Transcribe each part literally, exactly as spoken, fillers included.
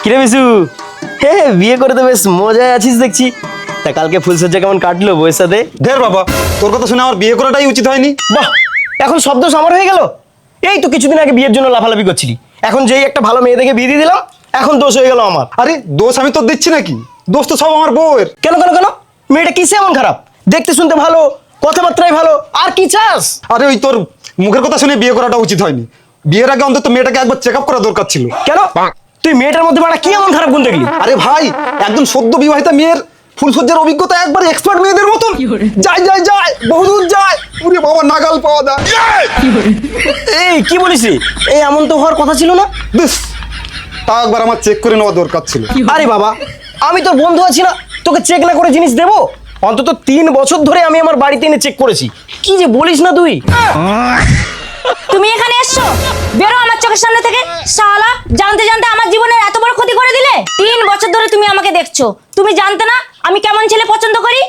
কিরে বিশু, হে বিয়ে করে তো বেশ মজায় আছিস দেখছি। তা কালকে ফুলসজ্জা কেমন কাটলো বউয়ের সাথে? ধের বাবা, তোর কথা শুনে আমার বিয়ে করাটাই উচিত হয়নি। বাহ, এখন শব্দ আমার হয়ে গেল। এই তো কিছুদিন আগে বিয়ের জন্য লাফালাফি করছিলি, এখন যেই একটা ভালো মেয়ে দেখে বিয়ে দিয়ে দিলাম, এখন দোষ হয়ে গেল আমার। আরে দোষ আমি তোর দিচ্ছি নাকি? দোষ তো সব আমার বউয়ের। কেন কেন কেন? মেয়েটা কিসে এমন খারাপ? দেখতে শুনতে ভালো, কথাবার্তায় ভালো, আর কি চাস? আরে ওই তোর মুখের কথা শুনে বিয়ে করাটা উচিত হয়নি। বিয়ের আগে অন্তত মেয়েটাকে একবার চেক আপ করা দরকার ছিল। কেন? তুই মেয়েটার মধ্যে বাড়া কি এমন খারাপ গুণ দেখলি? আরে ভাই, একদম সদ্য বিবাহিতা মেয়ের ফুলসজ্জার অভিজ্ঞতা একবার এক্সপার্ট মেয়েদের মতন। যাই যাই যাই বহুদূর যায়, ওরে বাবা নাগাল পাওয়া যায়। এই কি বলিস রে? এই এমন তো হওয়ার কথা ছিল না। বেশ, তা একবার আমার চেক করে নেওয়া দরকার ছিল। আরে বাবা, আমি তোর বন্ধু আছি না, তোকে চেক না করে জিনিস দেবো? অন্তত তিন বছর ধরে আমি আমার বাড়িতে এনে চেক করেছি। কি যে বলিস না তুই। তুমি এখানে এসছো, বেরো আমার চোখের সামনে থেকে। শালা, জানতে জানতে আমার জীবনের এত বড় ক্ষতি করে দিলে। তিন বছর ধরে তুমি আমাকে দেখছো, তুমি জানতে না আমি কেমন ছেলে পছন্দ করি?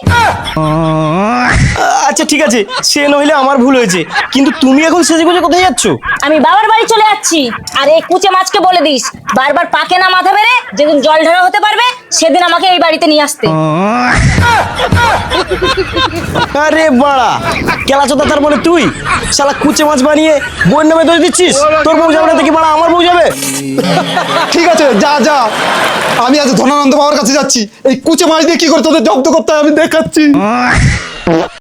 আচ্ছা ঠিক আছে, সে নইলে আমার ভুল হয়েছে, কিন্তু তুমি এখন সেজে গুজে কোথায় যাচ্ছ? আমি বাবার বাড়ি চলে যাচ্ছি। আর এই কুচে মাছকে বলে দিস, বারবার পাকে না মাথা বেড়ে যেদিন জল ঢালা হতে পারবে সেদিন আমাকে এই বাড়িতে নিয়ে আসতে। আরে বাড়া, কেলাচোদা তার মানে তুই? শালা কুচে মাছ বানিয়ে বউয়ের নামে দোষ দিচ্ছিস? তোর বউ যাবে না দেখি বাড়া, আমার বউ যাবে। ঠিক আছে, যা যা, আমি আজ ধনানন্দ বাবার কাছে যাচ্ছি। এই কুচে মাছ দিয়ে কি করে তোদের জব্দ করতে হয় আমি দেখাচ্ছি।